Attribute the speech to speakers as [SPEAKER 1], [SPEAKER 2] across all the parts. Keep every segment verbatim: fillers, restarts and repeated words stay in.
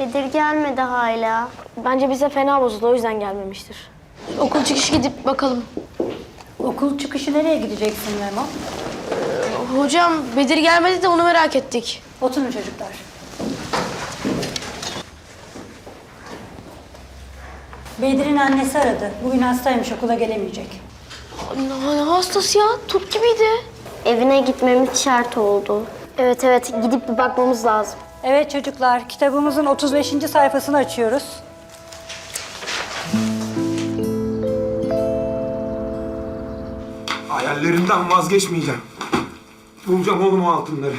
[SPEAKER 1] Bedir gelmedi hala.
[SPEAKER 2] Bence bize fena bozuldu, o yüzden gelmemiştir. Okul çıkışı gidip bakalım.
[SPEAKER 3] Okul çıkışı nereye gideceksin Memo?
[SPEAKER 2] Hocam Bedir gelmedi de onu merak ettik.
[SPEAKER 3] Oturun çocuklar. Bedir'in annesi aradı. Bugün hastaymış, okula gelemeyecek.
[SPEAKER 2] Ne, ne hastası ya? Turp gibiydi.
[SPEAKER 1] Evine gitmemiz şart oldu.
[SPEAKER 2] Evet evet, gidip bir bakmamız lazım.
[SPEAKER 3] Evet çocuklar, kitabımızın otuz beşinci sayfasını açıyoruz.
[SPEAKER 4] Hayallerimden vazgeçmeyeceğim. Bulacağım oğlum o altınları.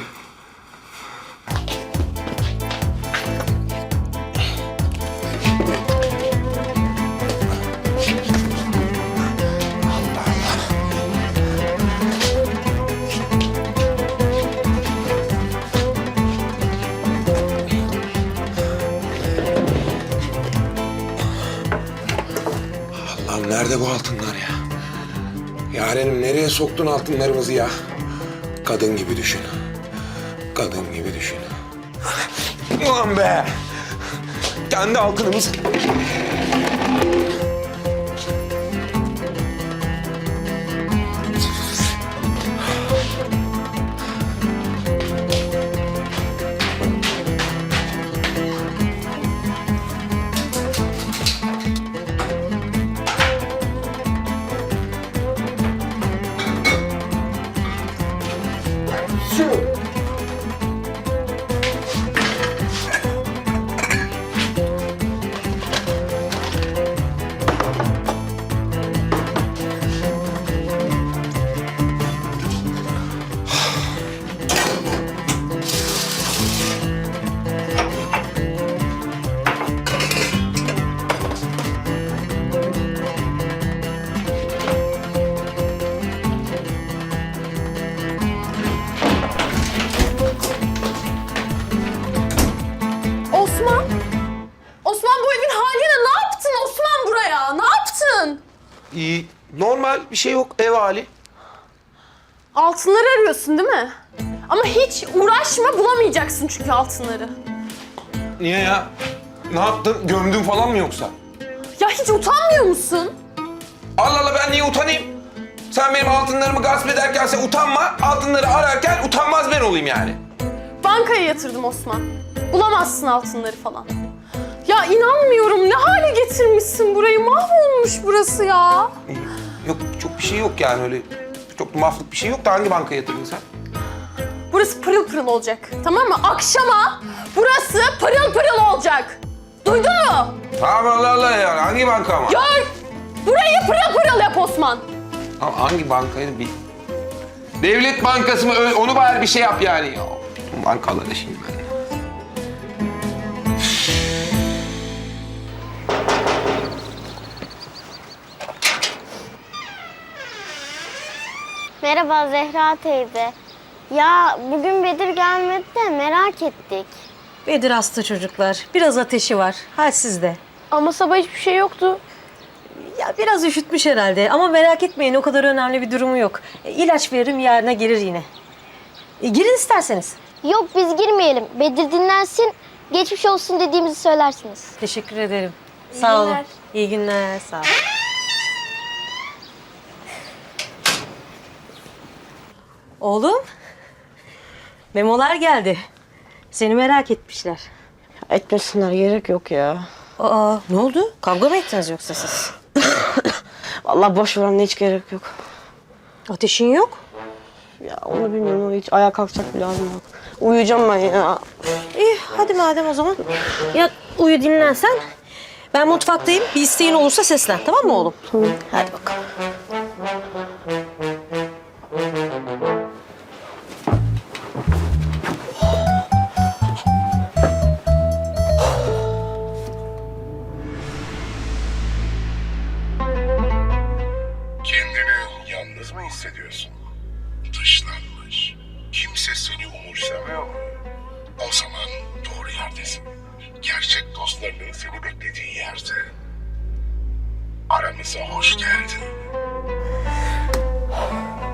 [SPEAKER 4] Allah'ım nerede bu altınlar ya? Yarenim nereye soktun altınlarımızı ya? Kadın gibi düşün. Kadın gibi düşün. Ulan be! Kendi altınımız.
[SPEAKER 5] Osman! Osman bu evin haline ne yaptın Osman buraya? Ne yaptın?
[SPEAKER 4] İyi, normal bir şey yok ev hali.
[SPEAKER 5] Altınları arıyorsun değil mi? Ama hiç uğraşma bulamayacaksın çünkü altınları.
[SPEAKER 4] Niye ya? Ne yaptın? Gömdün falan mı yoksa?
[SPEAKER 5] Ya hiç utanmıyor musun?
[SPEAKER 4] Allah Allah ben niye utanayım? Sen benim altınlarımı gasp ederken sen utanma, altınları ararken utanmaz ben olayım yani.
[SPEAKER 5] Bankaya yatırdım Osman. Bulamazsın altınları falan. Ya inanmıyorum ne hale getirmişsin burayı. Mahvolmuş burası ya.
[SPEAKER 4] Yok çok bir şey yok yani öyle çok maflık bir şey yok da hangi bankaya yatırdın sen?
[SPEAKER 5] Burası pırıl pırıl olacak. Tamam mı? Akşama burası pırıl pırıl olacak. Duydun mu?
[SPEAKER 4] Tamam Allah Allah yani hangi banka ama?
[SPEAKER 5] Gör! Burayı pırıl pırıl yap Osman.
[SPEAKER 4] Ama hangi bankaydı bir... Devlet Bankası mı? Ö- Onu bari bir şey yap yani. Ya, bankalara şimdi ben.
[SPEAKER 1] Merhaba Zehra teyze. Ya bugün Bedir gelmedi de merak ettik.
[SPEAKER 6] Bedir hasta çocuklar. Biraz ateşi var. Halsiz de.
[SPEAKER 2] Ama sabah hiçbir şey yoktu.
[SPEAKER 6] Ya biraz üşütmüş herhalde ama merak etmeyin o kadar önemli bir durumu yok. E, ilaç veririm yarına gelir yine. E, girin isterseniz.
[SPEAKER 1] Yok biz girmeyelim. Bedir dinlensin. Geçmiş olsun dediğimizi söylersiniz.
[SPEAKER 6] Teşekkür ederim. Sağ olun. İyi günler. Sağ olun. Oğlum. Memolar geldi. Seni merak etmişler.
[SPEAKER 7] Etmesinler gerek yok ya.
[SPEAKER 6] Aa ne oldu? Kavga mı ettiniz yoksa siz?
[SPEAKER 7] Vallahi boş ver anne hiç gerek yok.
[SPEAKER 6] Ateşin yok.
[SPEAKER 7] Ya onu bilmiyorum ama hiç ayağa kalkacak bile halim yok. Uyuyacağım ben ya.
[SPEAKER 6] İyi hadi madem o zaman. Yat uyu dinlen sen. Ben mutfaktayım. Bir isteğin olursa seslen tamam mı oğlum?
[SPEAKER 7] Tamam.
[SPEAKER 6] Hadi bakalım.
[SPEAKER 8] Kendini yalnız mı hissediyorsun? Dışlanmış. Kimse seni umursamıyor mu? O zaman doğru yerdesin. Gerçek dostlarının seni beklediği yerde. Aramıza hoş geldin.